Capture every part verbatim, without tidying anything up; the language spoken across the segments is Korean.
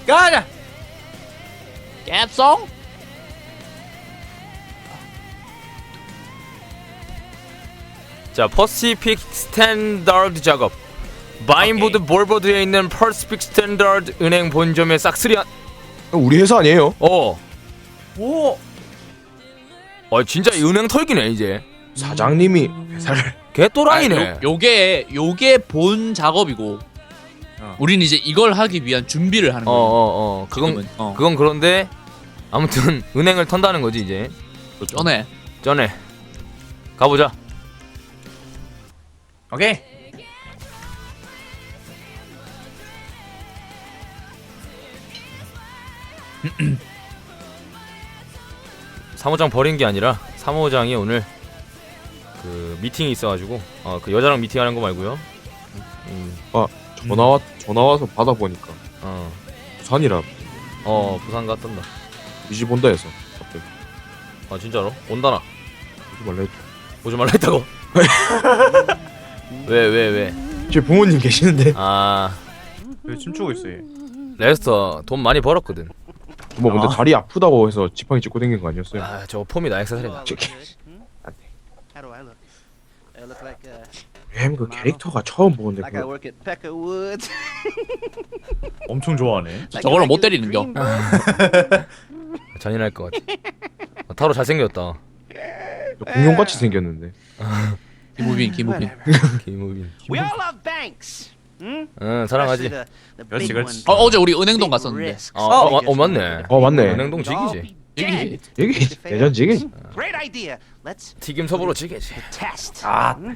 가자. cap송. 자, 퍼시픽 스탠다드 작업. 마인보드 몰보드에 있는 퍼시픽 스탠다드 은행 본점의 싹쓸이한. 우리 회사 아니에요? 어. 오. 어 진짜 이 은행 털기네 이제. 사장님이 회사를 개또라이네. 아, 요, 요게 요게 본 작업이고. 어. 우리는 이제 이걸 하기 위한 준비를 하는 어 거야. 어 어. 그건 지금은. 어. 그건 그런데 아무튼 은행을 턴다는 거지 이제. 전에 전에 가보자. 오케이. 사무장 버린 게 아니라 사무장이 오늘 그 미팅이 있어가지고 어 그 여자랑 미팅하는 거 말고요. 음, 전화 와 전화 와서 받아 보니까 어, 부산이라 어 부산 갔던다. 우리 집 온다 해서 갑자기 아 진짜로? 온다나? 오지 말라 했죠. 오지 말라 했다고? 왜 왜 왜? 제 부모님 계시는데 아 왜 춤추고 있어 얘? 레스터 돈 많이 벌었거든. 뭐 근데 아. 다리 아프다고 해서 지팡이 짚고 댕긴 거 아니었어요? 아 저거 폼이 나약사살이다. How do I look? I look like uh, 햄 그 캐릭터가 처음 보는데 like I 그 work at Pecka Woods. 엄청 좋아하네. Like 저걸로 a 못 regular 때리는겨. dreamboat. 잔인할 것 같아. 아, 타로 잘생겼다. 공룡같이 생겼는데 김우빈 김우빈. 김우빈. We all love banks. Hmm? 응 Especially 사랑하지. the, the 그렇지, big 그렇지. ones. 어, 어제 우리 은행동 Big 갔었는데. risks. 어, 어, 어, 어 맞네. 어 맞네 은행동 지기지. 여기 여기 내전지기 Great idea. Let's 튀김섭으로 지기지. test. 아. Hmm?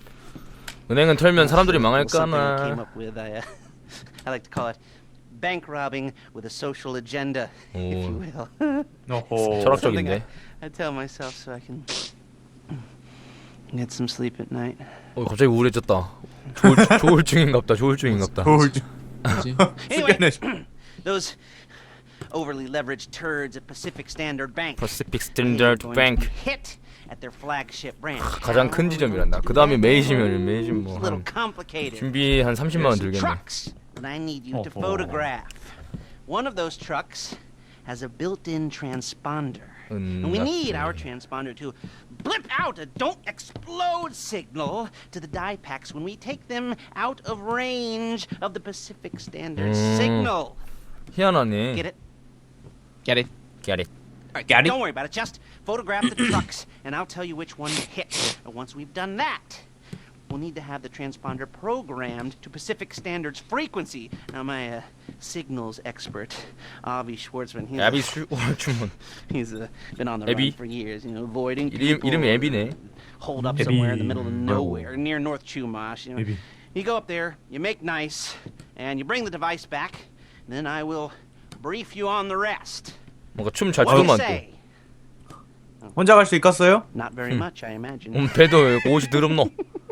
은행은 털면 사람들이 Well, something I came 망할까나. up with. I, uh, I like to call it bank robbing with a social agenda, if you will. 어허. 철학적인데. I tell myself so I can get some sleep at night. 어 갑자기 우울해졌다. 조울, 조울증인갑다. 조울증인갑다. 서울 좀 뭐지? Anyway, 숙연해. those overly leveraged turds at Pacific Standard Bank. Pacific They are Standard going to Bank. be hit at their flagship branch. 가장 큰 지점이란다. 그 다음에 메이시면 메이신 It's a little 뭐한 complicated. 준비 한 삼십만 원 들겠네. Trucks that I need you to 어허. photograph. One of those trucks has a built-in transponder. 음, And we need our transponder to blip out a don't explode signal to the die packs when we take them out of range of the Pacific Standard 음. signal. 희한하네. Get it? Get it? Get it. All right, Got it. don't worry about it. Just photograph the trucks, and I'll tell you which one to hit. And once we've done that, we'll need to have the transponder programmed to Pacific Standard's frequency. Now, my uh, signals expert, Avi Schwartzman, he's, 야비 수 주문. he's uh, been on the Abby? run for years, you know, avoiding 이름 people 이름이 애비네. hold up Abby. somewhere in the middle of nowhere, near North Chumash. You know, Abby. you go up there, you make nice, and you bring the device back. Then I will brief you on the rest. 뭔가 춤 잘 What do you 추더만 또. say? 혼자 갈 수 있겠어요? Not very much, I imagine. 음 배도 옷이 더럽노.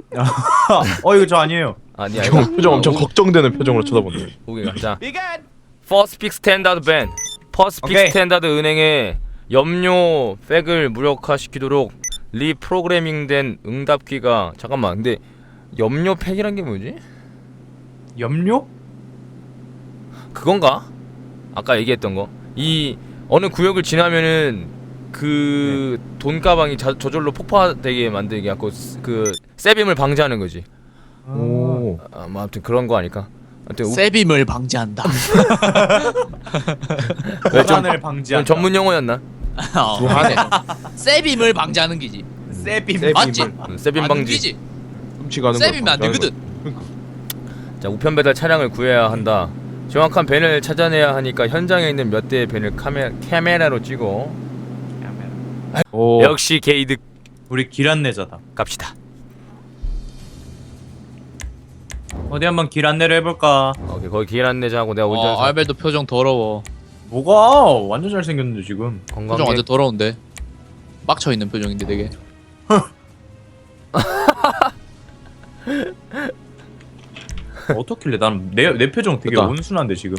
어 이거 저 아니에요. 아니야 형 이거. 표정 엄청 걱정되는 표정으로 쳐다보네. 보기가. 자, Be good. 퍼스픽 스탠다드 밴. 퍼스픽 오케이. 스탠다드 은행의 염료 팩을 무력화시키도록 리프로그래밍된 응답기가 잠깐만. 근데 염료 팩이란 게 뭐지? 염료? 그건가? 아까 얘기했던 거. 이 어느 구역을 지나면은 그 돈가방이 자, 저절로 폭파되게 만들게 하고 그 세빔을 방지하는 거지. 오. 아, 뭐 아무튼 그런 거 아닐까? 아무튼 우- 세빔을 방지한다. 왜 좀- 소란을 방지한다. 전문 용어였나? 어, 두한해. 세빔을 방지하는 기지. 세빔. 세빔. 맞지? 음, 세빔 안 방지. 기지. 훔치가는 세빔이 안 되거든. 자, 우편 배달 차량을 구해야 한다. 정확한 밴을 찾아내야 하니까 현장에 있는 몇 대의 밴을 카메, 카메라로 찍어. 오. 역시 게이득. 우리 길 안내자다. 갑시다. 어디 한번 길 안내를 해볼까? 오케이, 거기 길 안내자하고 내가 운전사. 어, 알벨도 표정 더러워. 뭐가 완전 잘생겼는데 지금. 표정 관광객. 완전 더러운데. 빡쳐 있는 표정인데 되게. 어떻길래 나는 내, 내 표정 되게 됐다. 온순한데 지금.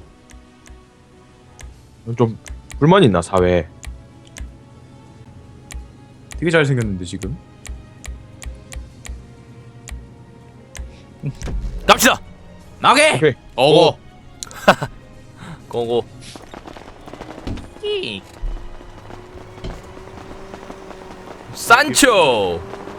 좀 불만 있나 사회에? 되게 잘생겼는데 지금. 갑시다. 나게. 오케이. 어거. 고고. 산초.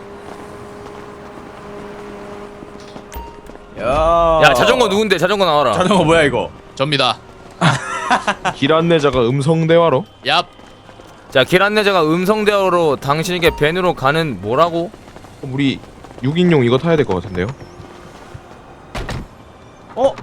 야. 야 자전거 누군데? 자전거 나와라. 자전거 뭐야 이거? 접니다. 길 안내자가 음성 대화로. 얍. 자, 길 안내자가 음성 대화로 당신에게 밴으로 가는 뭐라고? 그럼 우리 육 인용 이거 타야 될 것 같은데요? 어?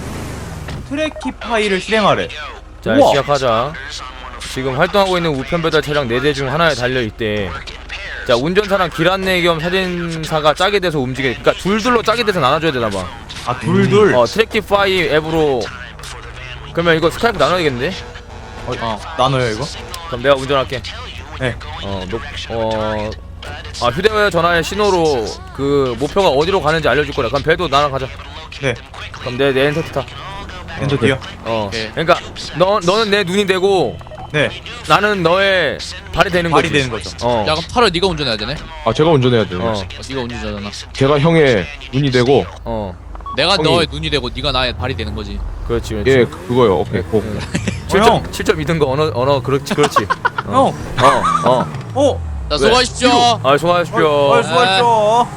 트래키 파일을 실행하래. 자, 우와. 시작하자. 지금 활동하고 있는 우편 배달 차량 네 대 중 하나에 달려 있대. 자, 운전사랑 길 안내 겸 사진사가 짝이 돼서 움직여. 그러니까 둘둘로 짝이 돼서 나눠줘야 되나 봐. 아 둘둘. 어, 트래키파이 앱으로. 그러면 이거 스카이프 나눠야겠는데? 어, 어. 나눠요 이거? 그럼 내가 운전할게. 네. 어, 녹, 어, 아, 휴대전화의 신호로 그 목표가 어디로 가는지 알려줄 거야. 그럼 배도 나랑 가자. 네. 그럼 내, 내 엔터 타. 엔터 뒤요. 어. 오케이. 그러니까 너 너는 내 눈이 되고 네. 나는 너의 발이 되는 발이 거지. 되는 거죠. 어. 야 그럼 타로 네가 운전해야 되네. 아 제가 운전해야 돼요. 어. 어, 네가 운전자잖아. 제가 형의 눈이 되고 어. 내가 형이- 너의 눈이 되고 네가 나의 발이 되는 거지. 그렇지, 그렇지. 예 그거요. 오케이. 고. 응. 어, 형. 칠 점 이 등 거 언어 언어 그렇지, 그렇지. 형. 어. 어. 어. 자 수고하십시오. 아, 수고하십시오. 어, 수고하십시오.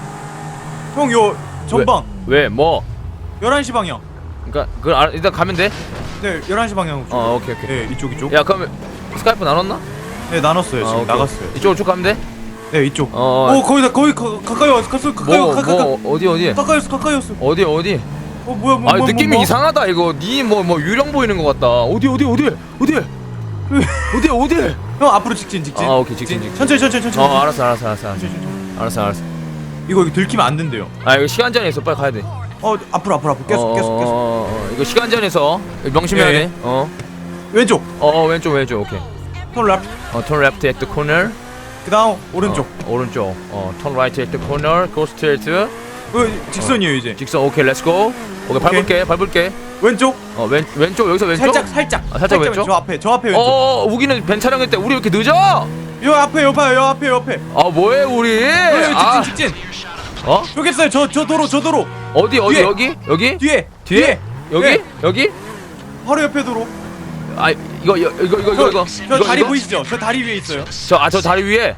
형, 요 전방 왜 뭐? 열한 시 방향. 그러니까 그걸 알, 일단 가면 돼? 네, 열한 시 방향. 어, 오케이, 오케이. 네, 이쪽 이쪽. 야, 그럼 스카이프 나눴나? 네, 나눴어요. 아, 지금 오케이. 나갔어요. 이쪽으로 쭉 가면 돼? 네, 이쪽. 어. 어. 오, 거의 다 거의 가, 가까이 왔어. 가까이 가까이 뭐, 가까이 뭐 어디 어디? 가까이였어. 가까이였어. 어디 어디? 어, 뭐야, 뭐, 아, 뭐, 느낌이 뭐, 뭐. 이상하다 이거. 니 뭐 뭐 유령 보이는 것 같다. 어디 어디 어디? 어디? 어디 어디? 형 앞으로 직진, 직진. 아, 오케이, 직진, 직진. 천천히, 천천히, 천천히. 어, 알았어, 알았어, 알았어, 알았어. 천천히, 천천히. 알았어, 알았어. 이거 이거 들키면 안 된대요. 아, 이거 시간 제한이 있어. 빨리 가야 돼. 어, 앞으로, 앞으로, 앞으로. 계속, 어, 계속, 계속. 어, 어, 이거 시간 제한에서 명심해야 예. 돼. 어. 왼쪽. 어, 어, 왼쪽, 왼쪽. 오케이. 턴 랩. 어, turn left at the corner. 그다음 오른쪽. 어, 오른쪽. 어, turn right at the corner. Go straight. 어, 직선이에요 이제. 직선. 오케이, let's go. 오케이, 밟을게, 밟을게. 왼쪽. 어, 왼 왼쪽 여기서 왼쪽. 살짝, 살짝. 아, 살짝 왼쪽? 저 앞에, 저 앞에 어, 왼쪽. 어, 우기는 벤 촬영할 때 우리 왜 이렇게 늦어? 요 앞에, 요 봐요, 요 앞에, 요 앞에. 아, 뭐해 우리? 어, 아, 직진, 직진. 어? 저기 있어요. 저, 저 도로, 저 도로. 어디 어디 뒤에. 여기? 여기? 뒤에, 뒤에? 여기? 네. 여기? 바로 옆에 도로. 아, 이거 이거 이거 이거 저, 이거. 저 이거, 다리 이거? 보이시죠? 저 다리 위에 있어요. 저, 아, 저 다리 위에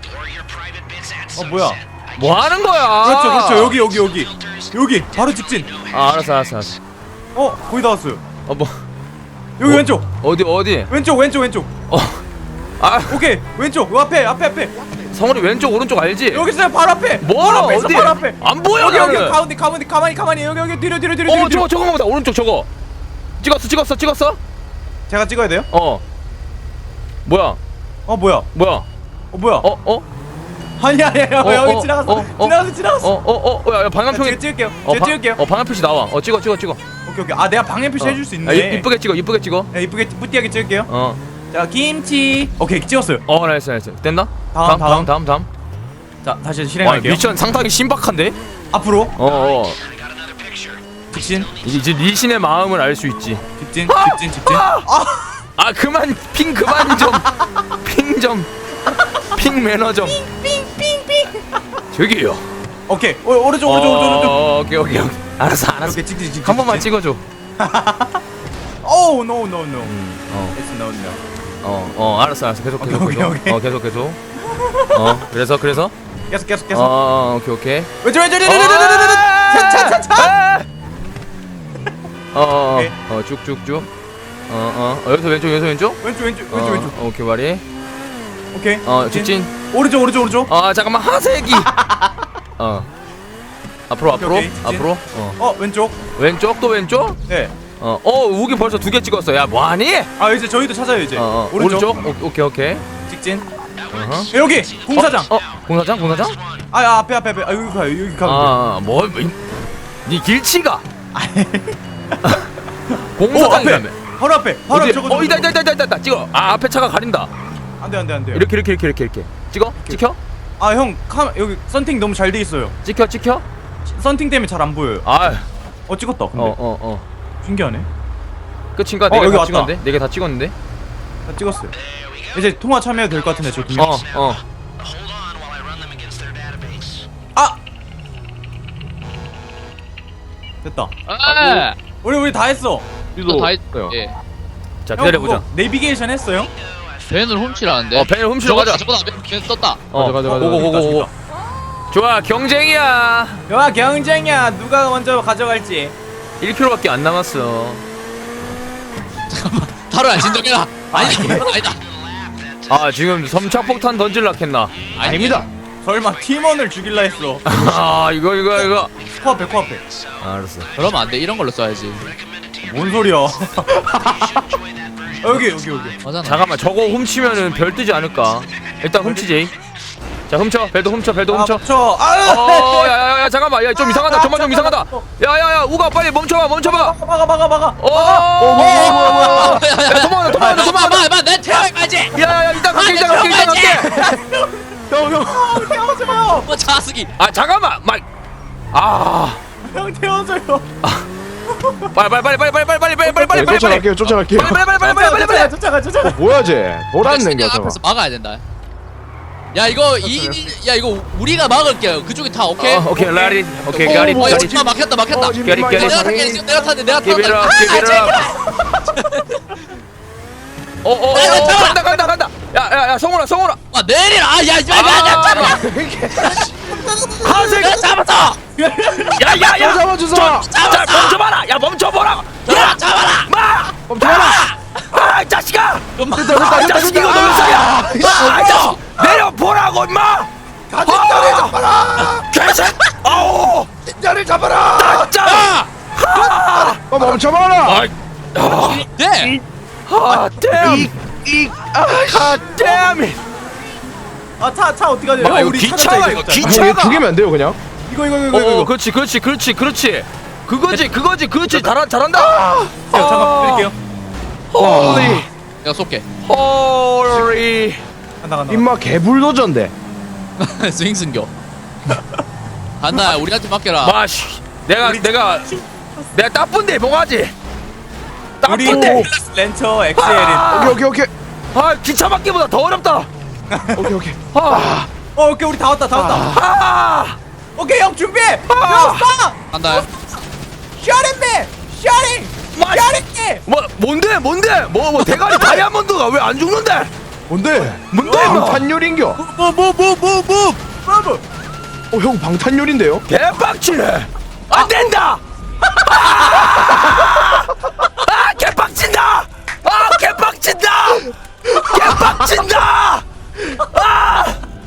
어, 뭐야? 뭐 하는 거야? 그렇죠, 그렇죠. 여기, 여기, 여기. 여기, 바로 직진. 아, 알았어, 알았어, 알았어. 어, 거의 다 왔어요. 어, 뭐 여기 어? 왼쪽, 어디 어디? 왼쪽, 왼쪽, 왼쪽. 어, 아, 오케이, 왼쪽. 요 앞에, 앞에, 앞에. 성훈이 왼쪽 오른쪽 알지? 여기 있어요. 바로 앞에. 뭐 바로 앞에 있어, 어디? 바로 앞에. 안 보여 여기, 여기, 나는. 가운데, 가운데, 가만히, 가만히. 여기, 여기, 뒤로, 뒤로, 뒤로, 어, 뒤로. 저거 저거 보다 오른쪽 저거. 찍었어, 찍었어, 찍었어? 제가 찍어야 돼요? 어. 뭐야? 어, 뭐야? 뭐야? 어, 뭐야? 어, 어? 아니, 아니, 아니. 어, 여기 어, 지나갔어. 어, 어. 지나갔어, 지나갔어. 어, 어, 어, 야, 야, 방향표기. 제가 찍을게요. 어, 제가 방- 찍을게요. 어, 방향 표시 나와. 어, 찍어, 찍어, 찍어. 오케이, 오케이. 아, 내가 방향 표시 어. 해줄 수 아, 있네. 이- 이쁘게 찍어, 이쁘게 찍어. 네, 이쁘게 뿌띠하게 찍을게요. 어, 자, 김치. 오케이, 찍었어요. 어, 나이스, 나이스. 됐나? 다음, 다음, 다음, 다음. 자, 다시 와, 실행할게요. 미션 상당히 신박한데? 앞으로 어, 어. 직진, 이제 리신의 마음을 알 수 있지. 직진, 직진, 직진. 아, 그만 핑 그만 좀. 핑 좀. 핑 매너 좀. 저기요. 오케이. 오, 오른쪽, 오른쪽, 오른쪽, 오른쪽. 어, 오케이, 오케이, 오케이. 알았어, 알았어. 이렇게 직진, 직진. 한 번만 직진. 찍어줘. 오, no, no, no. 어, It's no, no. 어, 어, 알았어, 알았어. 계속, 계속, 오케이, 계속. 오케이, 오케이. 어, 계속, 계속. 어, 그래서, 그래서. 계속, 계속, 어, 계속. 어, 오케이, 오케이. 왼쪽, 왼쪽, 왼쪽, 어, 왼쪽, 왼쪽, 왼쪽, 차, 차, 차, 차. 어, 어, 오케이. 어, 어, 쭉, 쭉, 쭉. 어, 어, 여기서 왼쪽, 여기서 왼쪽. 왼쪽, 왼쪽, 어, 왼쪽, 왼쪽. 오케이, 말이. 오케이. 어, 직진. 오른쪽, 오른쪽, 오른쪽. 아, 잠깐만, 하세기. 어. 앞으로, 앞으로, 오케이, 직진. 앞으로. 어. 어, 왼쪽. 왼쪽 또 왼쪽. 네. 어, 어, 우기 벌써 두 개 찍었어. 야, 뭐하니? 아, 이제 저희도 찾아요 이제. 어, 어, 오른쪽. 오른쪽. 오, 오케이, 오케이. 직진. 어허. 네, 여기 공사장. 어, 어, 공사장, 공사장? 아, 아, 앞에, 앞에, 앞에. 아, 여기 가요, 여기 가면 돼. 아, 뭐, 뭐, 이- 니 길치가. 오, 공사장이라며. 앞에. 바로 앞에. 바로 어디? 저거. 저거, 어, 이다, 저거. 이다, 이다, 이다, 이다. 찍어. 아, 앞에 차가 가린다. 안 돼, 안 돼, 안 돼. 이렇게, 이렇게, 이렇게, 이렇게, 이렇게. 찍어? 찍혀? 아, 형, 카 여기 썬팅 너무 잘 돼 있어요. 찍혀, 찍혀? 썬팅 때문에 잘 안 보여요. 아, 어, 찍었다. 근데 어, 어, 어. 신기하네. 끝인가? 어, 네개 여기 다 왔다. 찍었는데? 네 개 다 찍었는데? 다 찍었어요. 이제 통화 참여해도 될 것 같은데 저 두 명. 어, 어. 아! 됐다. 아, 우리 우리 다 했어. 또 다 했. 요 예. 자 형, 기다려보자. 그거 내비게이션 했어요? 벤을 훔치라는데. 어 벤을 훔치러 가자. 저거다 벤 떴다. 어 가자, 가자, 오고 가자. 오고 오고. 좋아 경쟁이야. 야 경쟁이야 누가 먼저 가져갈지. 일 킬로미터밖에 안 남았어. 타로야 진정해라. 아니 아니다. 아 지금 섬착폭탄 던질라 했나? 아닙니다. 설마 팀원을 죽일라 했어. 아 이거 이거 이거. 코앞에 코앞에. 아, 알았어. 그러면 안 돼. 이런 걸로 써야지. 뭔 소리야? 어, 여기 여기 여기. 맞잖아. 잠깐만 저거 훔치면은 별 뜨지 않을까? 일단 훔치지. 자 훔쳐. 배도 훔쳐. 배도 훔쳐. 쳐. 아, 어, 야야야 잠깐만. 야 좀 이상하다. 정말 좀 이상하다. 야야야 우가 빨리 멈춰봐. 멈춰봐. 막아 막아 막아. 어. 야 도망가 도망가 도망가. 봐봐 내 태워야지. 야야야 이따 갈게 이따 갈게 이따 갈게. 형형 태워줘 마. 뭐 자스기. 아 잠깐만. 막. 아. 형 태워줘요. 빨리 빨리 빨리 빨리 빨리 빨리 빨리 빨리 빨리 빨리 빨리 쫓아갈게요 쫓아갈게요. 빨리 빨리 빨리 빨리 빨리 빨리 빨리. 쫓아가 쫓아가. 뭐야 쟤? 노란 냉겨 저거. 앞에서 막아야 된다. 야 이거 이 야 이거 우리가 막을게요. 그쪽이 타 오케이. 어 오케이 라리 오케이 어, 가리 어, 가리. 야, 막혔다 막혔다. 어, 지금 깨리, 깨리. 내가 탈게 지금 내가 탔는데 내가 Give it up, 탔다. give it up. 어어어 간다 간다 간다. 야야야 성훈아 성훈아. 아 내리라. 아야 이제 아, 하색. 잡았어. 야야야. 잡아주자. 자 멈춰봐라. 야 멈춰보라. 야 잡아라. 마. 멈춰라. 아 자식아. 엄마. 아 자식 이거 너무 소리야. 아 자식 내려보라고 임마. 가진자리 잡아라. 개새. 아우. 자리 잡아라. 짜. 어 멈춰봐라. 아. 네. 아 댐. 아 댐. 아차 차 어떻게 가냐? 아, 이거 우리 기차가 찾았자, 이거 이거. 기- 아니 차가. 이거 두 개면 안 돼요 그냥? 이거 이거 이거 어, 이거. 그렇지, 그렇지, 그렇지, 그렇지. 그거지, 그거지, 그렇지. 잘한, 잘한다. 야, 잠깐 드릴게요. 홀리, 내가 쏠게. 홀리. 간다 간다. 임마 개불도저인데. 스윙 승교. 간다. 우리한테 맡겨라. 마시. 내가, 우리 내가, 내가 따쁜데 뭐가지? 우리 따쁜데. 렌처 엑스엘인. 아, 오케이 오케이 오케이 아, 기차 막기보다 더 어렵다. 오케이 오케이. 아, 어 오케이 우리 다 왔다 다 왔다. 아, 오케이 형 준비. 아. 형 스탑. 간다. 셔링맨 셔링. 마시. 셔링. 뭐, 뭔데, 뭔데? 뭐, 뭐 대가리 다이아몬드가 왜 안 죽는데? 뭔데? 뭔데, 뭐? 방탄요리인겨. 뭐뭐뭐뭐뭐 뭐뭐. 어형 방탄요리인데요? 개빡치네. 안 된다. 아, 아 개빡친다. 아, 개빡친다. 개빡친다. 아,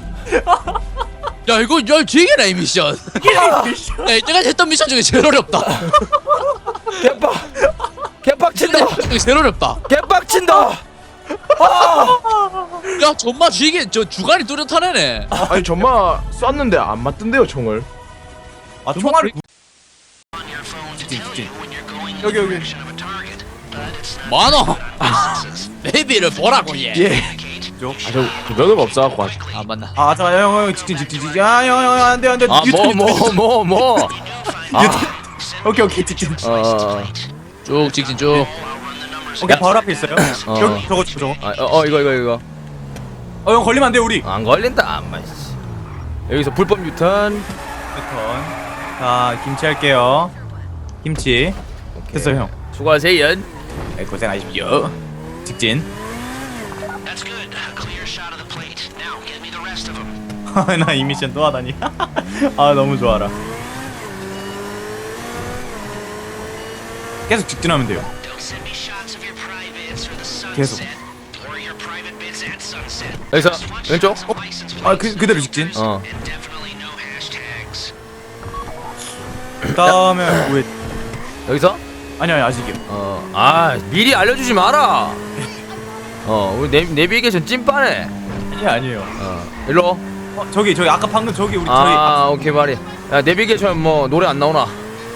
야 이거 야 되게네 이 미션. 야 내가 했던 미션 중에 제일 어렵다. 개빡, 개빡친다. 중에 제일 어렵다. 개빡친다. 야 정말 쥐게 저 주간이 뚜렷하네. 아니 정말 쐈는데 안 맞던데요 총을. 아 총알을. 직진 직진. 여기 여기. 만원. 베이비를 보라고 얘. 예. 아저 면허가 없어갖고 아직. 아 맞나. 아 잠깐 형형 직진 직진 직진. 야형형 안돼 안돼. 아, 뭐, 뭐, 뭐, 뭐. 오케이 오케이 직진. 어, 쭉 직진 쭉. 오케이 바로 앞에 있어요. 어. 여기 저거 저거. 아, 어, 어, 이거, 이거, 이거. 어형 걸리면 안 돼 우리. 안 걸린다. 안마. 여기서 불법 유턴. 패턴. 자 김치 할게요. 김치. 됐어요 형. 수고하세요. 네, 고생하십시오. 직진. 나 이 미션 또 하다니. 아 너무 좋아라. 계속 직진하면 돼요. 계속. 여기서 왼쪽. 아 그 그대로 직진. 어. 그다음에 왜? 여기서. 아니 아니 아직이요. 어. 아, 미리 알려주지 마라. 어, 우리 내 내비게이션 찐빠네. 아니 아니에요. 어. 일로. 어, 저기 저기 아까 방금 저기 우리 저희. 아, 오케이 말이. 야, 내비게이션 뭐 노래 안 나오나?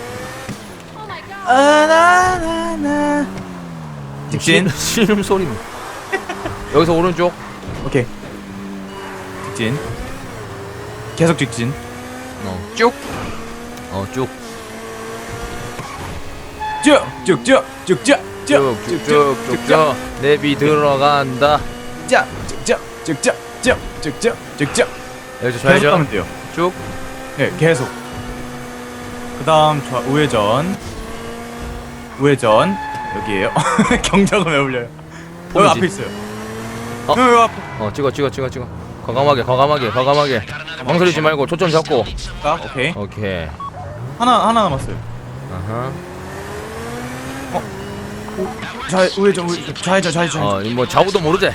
아나나나. 직진. 신음 소리. 여기서 오른쪽. 오케이. 직진. 계속 직진. 어. 쭉. 어, 쭉. 쭉쭉쭉쭉쭉쭉쭉쭉. 내비 들어간다. 쭉쭉쭉쭉쭉쭉쭉쭉쭉. 여기서 계속 좌회전. 가면 돼요. 쭉. 네, 계속. 그다음 좌 우회전. 우회전. 여기에요? 경적은 왜 울려요? 여기 보이지? 앞에 있어요. 어? 여기 앞에. 어 찍어 찍어 찍어 찍어. 과감하게 과감하게 과감하게. 망설이지 말고 초점 잡고. 아, 오케이. 오케이. 하나 하나 남았어요. 아하. 좌 우회전 우회전 좌회전 좌회전. 어, 뭐 좌우도 모르지.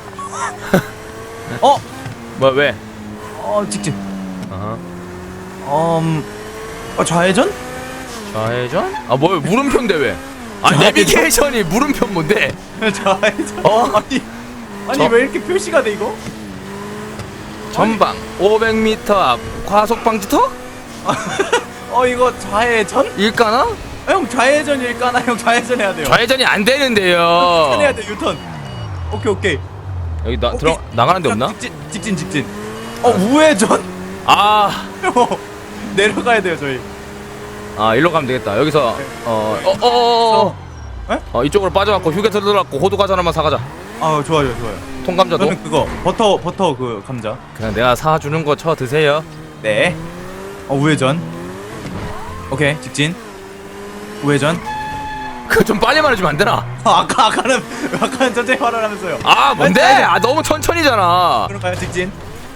어? 뭐 왜? 어 직진. 아하. 음. 어 좌회전? 좌회전? 아, 뭐 물음표인데 왜? 아, 내비게이션이 물음표 뭔데? 좌회전. 어? 아니 아니 저- 왜 이렇게 표시가 돼 이거? 전방 오백 미터 앞 과속 방지턱? 어 이거 좌회전? 일까나? 아, 형 좌회전일까나 형 좌회전 해야 돼요. 좌회전이 안 되는데요. 유턴 해야 돼 유턴. 오케이 오케이. 여기 나 오케이. 들어 나가는 데 없나? 직진 직진 직진. 어 우회전? 아, 형 내려가야 돼요 저희. 아 일로 가면 되겠다. 여기서 어어어어 에? 어 이쪽으로 빠져갖고 휴게소 들어갖고 호두 과자 하나만 사가자. 아 좋아요 좋아요. 통감자도 저는 그거 버터 버터 그 감자. 그냥 내가 사주는 거 쳐 드세요. 네. 어 우회전. 오케이 직진. 우회전. 그 좀 빨리 말해주면 안 되나? 아, 아까 아까는 아까는 천천히 말하라면서요. 아 뭔데? 아니, 아니. 아 너무 천천히잖아. 그런가요 직진?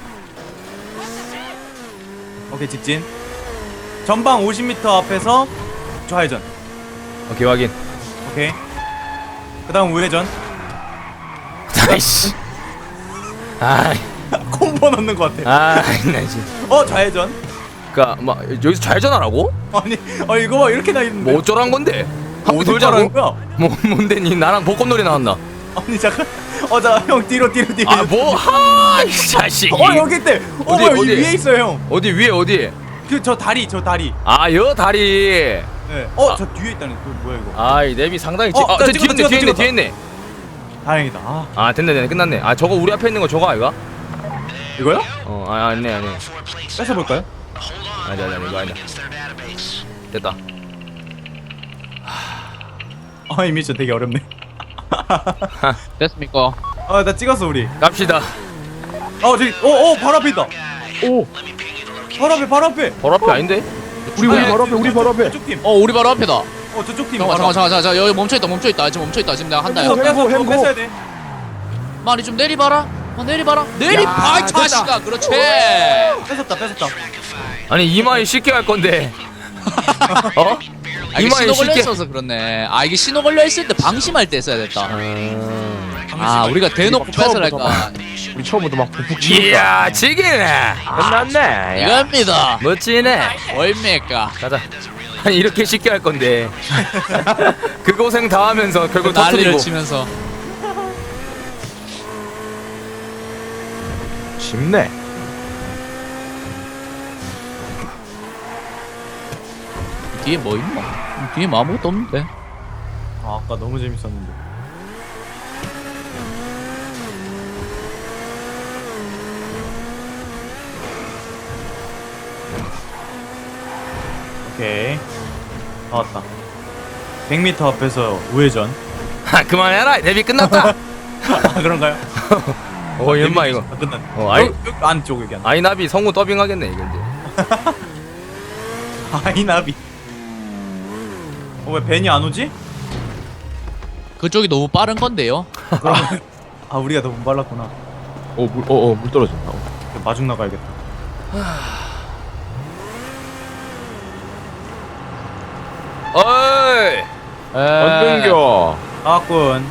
오케이 직진. 전방 오십 미터 앞에서 좌회전. 오케이 확인. 오케이. 그다음 우회전. 아이씨. 아이, 콤보 넣는 것 같아. 아이, 나 지금. 어 좌회전. 그니까 막 여기서 좌회전하라고? 아니 어 이거 봐 이렇게 나 있는데. 뭐 어쩌란 건데? 한번 어디 돌자고? 말하는 거야? 뭐 뭔데 니 나랑 벚꽃놀이 나왔나? 아니 잠깐. 어자형 뒤로 뒤로 뒤로. 아 뭐? 하이 자식이. 어 여기 있대. 어 어디, 뭐야 이 어디? 위에 있어요 형. 어디 위에 어디? 그 저 다리 저 다리. 아 여 다리. 네. 어 아. 저 뒤에 있다는 그 뭐야 이거. 아이 랩이 상당히 찌. 어, 아, 나 저 찍었다, 뒤에 있네, 뒤에 있네, 찍었다, 뒤에 있네. 다행이다. 아 아, 됐네, 됐네, 끝났네. 아, 저거 우리 앞에 있는 거 저거 아이가? 이거요? 어, 아, 아니네, 아니네. 뺏어 볼까요? 아니, 아니, 아니, 이거 아니야. 됐다. 아 이 미션 되게 어렵네. 됐습니까? 아 나 찍었어 우리. 갑시다. 어 저기 어어 바로 앞에 있다. 오. 바로 앞에 바로 앞에. 바로 앞에 아닌데? 우리 우리 아니, 바로 앞에 우리 바로 앞에. 저쪽 팀. 어 우리 바로 앞에다. 어 저쪽 팀. 잠깐 잠깐 잠깐 잠깐 여기 멈춰있다 멈춰있다 지금 멈춰있다 지금 내가 한다 뺏어 야 뺏어 햄고, 뺏어 뺏어야 돼. 많이 좀 내리봐라 아 내리봐라 내리봐 이 됐다. 자식아 그렇지 뺏었다 뺏었다. 아니, 이마에 쉽게 갈 건데. 어? 아 이게 이마에 신호 쉽게. 걸려있어서 그렇네 아 이게 신호 걸려있을 때 방심할 때 써야 됐다 음... 아 우리가 대놓고 뺏으랄까 우리 처음부터 막 푹푹 치니까. 이야, 지기네. 끝났네. 이겁니다 멋지네. 얼마입니까 가자. 아니, 이렇게 쉽게 할 건데. 그 고생 다 하면서 결국 난리를 터뜨리고. 치면서 쉽네. 뒤에 뭐 있노? 뒤에 뭐 아무것도 없는데 아 아까 너무 재밌었는데. 오케이. 다 왔다. 백 미터 앞에서 우회전. 아, 그만해라. 데뷔 끝났다. 아 그런가요? 어, 연마 이거. 아, 끝났네. 어, 아이- 여기, 여기 안쪽 여기 안. 아이나비 성우 더빙하겠네, 이거 이제. 아이나비. 어 왜 벤이 안 오지? 그쪽이 너무 빠른 건데요 아 우리가 너무 빨랐구나. 어물어어물 떨어진다. 마중 나가야겠다. 어이! 안 땡겨. 나왔군.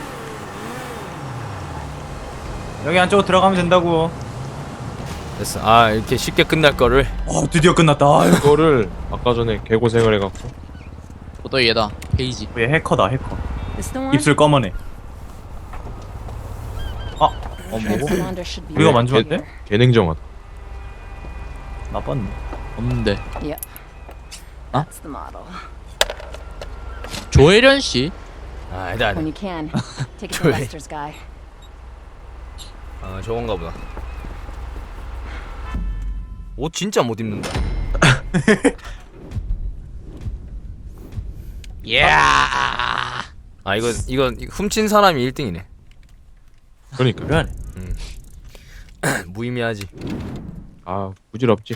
여기 안쪽으로 들어가면 된다고. 됐어. 아, 이렇게 쉽게 끝날 거를. 어 드디어 끝났다. 아유. 이거를 아까 전에 개고생을 해갖고. 또 얘다 페이지 얘 해커다 해커. This the one? 입술 검은해. 아 어 뭐고? Transponder should be 우리가 right 만져봤대? here. 개냉정하다. 나빴네. 없는데 Yep. Huh? That's the model. 조혜련 씨? 아, 아니다, 아니다. When you can, take it to Joy. Lester's guy. 아, 저건가 보다. 옷 진짜 못 입는다. 야 아, 이거 이거 훔친 사람이 일 등이네. 그러니까. 그래. 무의미하지. 아 부질없지.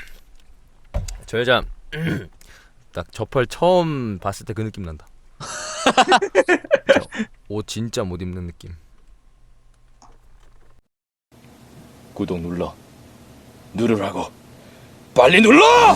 저 여자 딱 저펄 처음 봤을 때 그 느낌 난다. 옷 진짜 못 입는 느낌. 구독 눌러. 누르라고. 빨리 눌러!